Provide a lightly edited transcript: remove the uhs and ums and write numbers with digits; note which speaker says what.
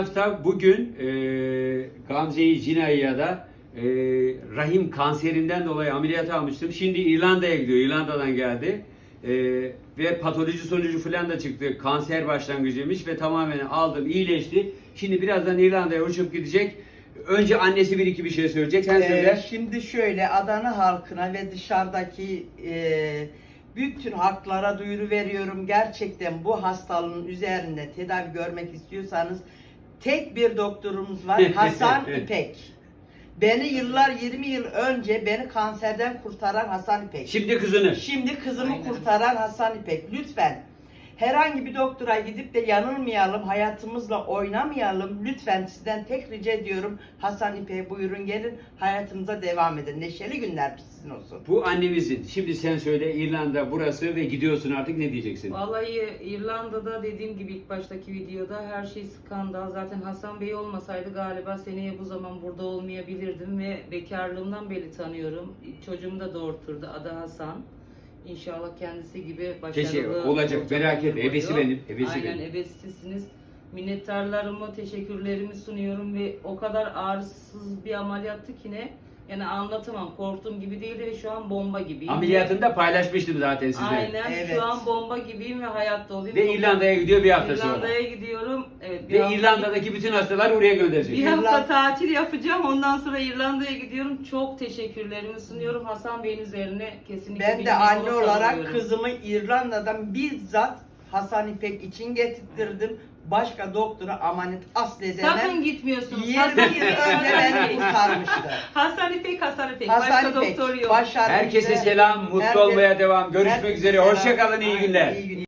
Speaker 1: Hafta bugün Gamze'yi Cina'ya da rahim kanserinden dolayı ameliyat almıştım. Şimdi İrlanda'ya gidiyor. İrlanda'dan geldi. Ve patoloji sonucu falan da çıktı. Kanser başlangıcıymış ve tamamen aldım, iyileşti. Şimdi birazdan İrlanda'ya uçup gidecek. Önce annesi bir iki bir şey söyleyecek. Sen söyle.
Speaker 2: Şimdi şöyle Adana halkına ve dışarıdaki bütün halklara duyuru veriyorum. Gerçekten bu hastalığın üzerinde tedavi görmek istiyorsanız tek bir doktorumuz var. Hasan İpek. Beni 20 yıl önce beni kanserden kurtaran Hasan İpek.
Speaker 1: Şimdi kızını.
Speaker 2: Şimdi kızımı
Speaker 3: Aynen.
Speaker 2: kurtaran Hasan İpek. Lütfen herhangi bir doktora gidip de yanılmayalım, hayatımızla oynamayalım. Lütfen sizden tek rica ediyorum. Hasan İpek'e buyurun gelin, hayatınıza devam edin. Neşeli günler sizin olsun.
Speaker 1: Bu annemizin. Şimdi sen söyle, İrlanda burası ve gidiyorsun artık, ne diyeceksin?
Speaker 3: Vallahi İrlanda'da dediğim gibi ilk baştaki videoda her şey skandal. Zaten Hasan Bey olmasaydı galiba seneye bu zaman burada olmayabilirdim ve bekarlığımdan beri tanıyorum. Çocuğumu da doğurturdu. Adı Hasan. İnşallah kendisi gibi başarılı
Speaker 1: olacak, merak etme.
Speaker 3: oluyor.
Speaker 1: Ebesi benim, ebesi
Speaker 3: Aynen,
Speaker 1: benim.
Speaker 3: ebesisiniz. Minnettarlarımı, teşekkürlerimi sunuyorum ve o kadar ağrısız bir ameliyattı ki ne? Yani anlatamam. Korktuğum gibi değildi ve şu an bomba gibiyim.
Speaker 1: Ameliyatında paylaşmıştım zaten size.
Speaker 3: Aynen.
Speaker 2: Evet.
Speaker 3: Şu an bomba gibiyim ve hayatta olayım.
Speaker 1: Ve İrlanda'ya gidiyor bir hafta sonra.
Speaker 3: İrlanda'ya gidiyorum. Evet,
Speaker 1: Ve İrlanda'daki bütün hastalar oraya gönderecek.
Speaker 3: bir hafta tatil yapacağım. Ondan sonra İrlanda'ya gidiyorum. Çok teşekkürlerimi sunuyorum. Hasan Bey'in üzerine kesinlikle
Speaker 2: Ben de
Speaker 3: bilmek
Speaker 2: anne
Speaker 3: onur
Speaker 2: olarak
Speaker 3: duyuyorum.
Speaker 2: kızımı İrlanda'dan bizzat Hasan İpek için getirttirdim. Başka doktora emanet asla edemem.
Speaker 3: Sakın gitmiyorsunuz.
Speaker 2: 20
Speaker 3: Hasan
Speaker 2: yıl önce beni kurtarmıştı.
Speaker 3: Hasan İpek, Hasan İpek.
Speaker 2: Hasan
Speaker 3: Başka
Speaker 2: İpek
Speaker 3: doktor yok.
Speaker 2: başarılı.
Speaker 1: Herkese selam, mutlu
Speaker 2: Herkes-
Speaker 1: olmaya devam. Görüşmek
Speaker 2: herkese
Speaker 1: üzere.
Speaker 2: selam.
Speaker 1: Hoşça kalın, iyi
Speaker 2: Aynen,
Speaker 1: günler.
Speaker 2: iyi günler.